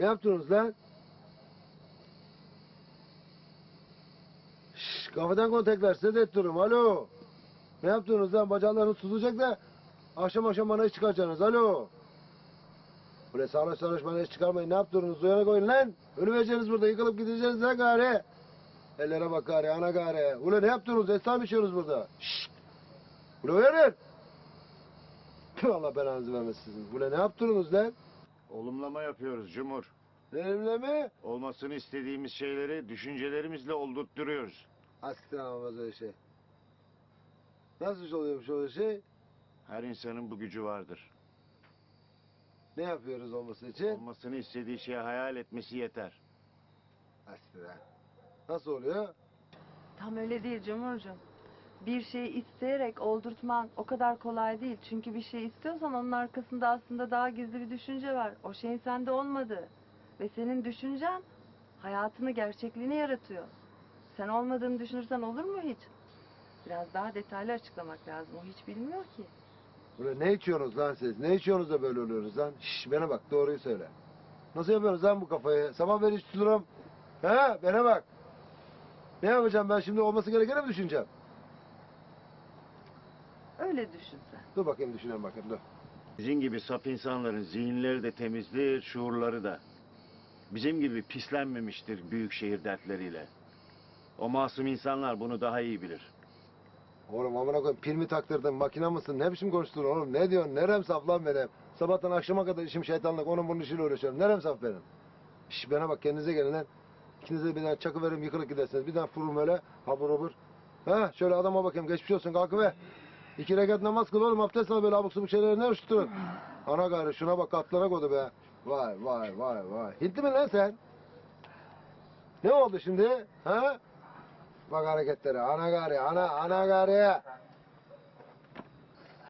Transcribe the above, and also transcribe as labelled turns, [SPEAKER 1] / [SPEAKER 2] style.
[SPEAKER 1] Ne yaptınız lan? Şşş, kafadan kontaklar size de ettiririm. Alo. Ne yaptınız lan? Bacaklarınız tutulacak da akşam akşam bana iş çıkaracaksınız. Alo. Böyle sarhoş sarhoş bana iş çıkarmayın. Ne yaptınız? Uyana koyun lan. Ölüvereceğiniz burada. Yıkılıp gideceğiz lan gari. Ellere bak gari, ana gari. Ulan ne yaptınız? Esnaf mı içiyorsunuz burada? Şşt. Ulan uyanın. Tüh, Allah belanızı vermesin sizin. Ulan ne yaptınız lan?
[SPEAKER 2] Olumlama yapıyoruz Cumhur.
[SPEAKER 1] Benimle mi?
[SPEAKER 2] Olmasını istediğimiz şeyleri düşüncelerimizle oldurtturuyoruz.
[SPEAKER 1] Asiktir olmaz öyle şey. Nasıl iş oluyormuş öyle şey?
[SPEAKER 2] Her insanın bu gücü vardır.
[SPEAKER 1] Ne yapıyoruz olması için?
[SPEAKER 2] Olmasını istediği şeyi hayal etmesi yeter.
[SPEAKER 1] Asiktir ha. Nasıl oluyor?
[SPEAKER 3] Tam öyle değil Cumhurcuğum. Bir şeyi isteyerek oldurtman o kadar kolay değil. Çünkü bir şey istiyorsan onun arkasında aslında daha gizli bir düşünce var. O şeyin sende olmadığı. Ve senin düşüncen hayatını, gerçekliğini yaratıyor. Sen olmadığını düşünürsen olur mu hiç? Biraz daha detaylı açıklamak lazım. O hiç bilmiyor ki.
[SPEAKER 1] Ulan ne içiyorsunuz lan siz? Ne içiyorsunuz da böyle oluyorsunuz lan? Şşş bana bak doğruyu söyle. Nasıl yapıyorsunuz lan bu kafayı? Sabah beri hiç tuturum. He bana bak. Ne yapacağım ben şimdi olması gerekeni mi düşüneceğim?
[SPEAKER 3] Öyle düşün sen.
[SPEAKER 1] Dur bakayım düşünelim bakayım dur.
[SPEAKER 2] Bizim gibi saf insanların zihinleri de temizdir, şuurları da. Bizim gibi pislenmemiştir büyük şehir dertleriyle. O masum insanlar bunu daha iyi bilir.
[SPEAKER 1] Oğlum amına koyayım pil mi taktırdın makine mısın? Ne biçim konuştun oğlum? Ne diyorsun? Nerem saf lan benim? Sabahtan akşama kadar işim şeytanlık onun bunun işiyle uğraşıyorum. Nerem saf benim? Şş bana bak kendinize gelin lan. İkinize de bir tane çakı verim yıkılıp gidersiniz. Bir tane furum öyle habur habur. Ha şöyle adama bakayım geçmiş olsun kalkıver. 2 rekat namaz kıl oğlum abdest al böyle abuk subuk şeyleri ne uçturun. Ana gayrı şuna bak katlara koydu be. Vay vay vay vay. Hintli mi lan sen? Ne oldu şimdi? Ha? Bak hareketleri ana gari ana gari.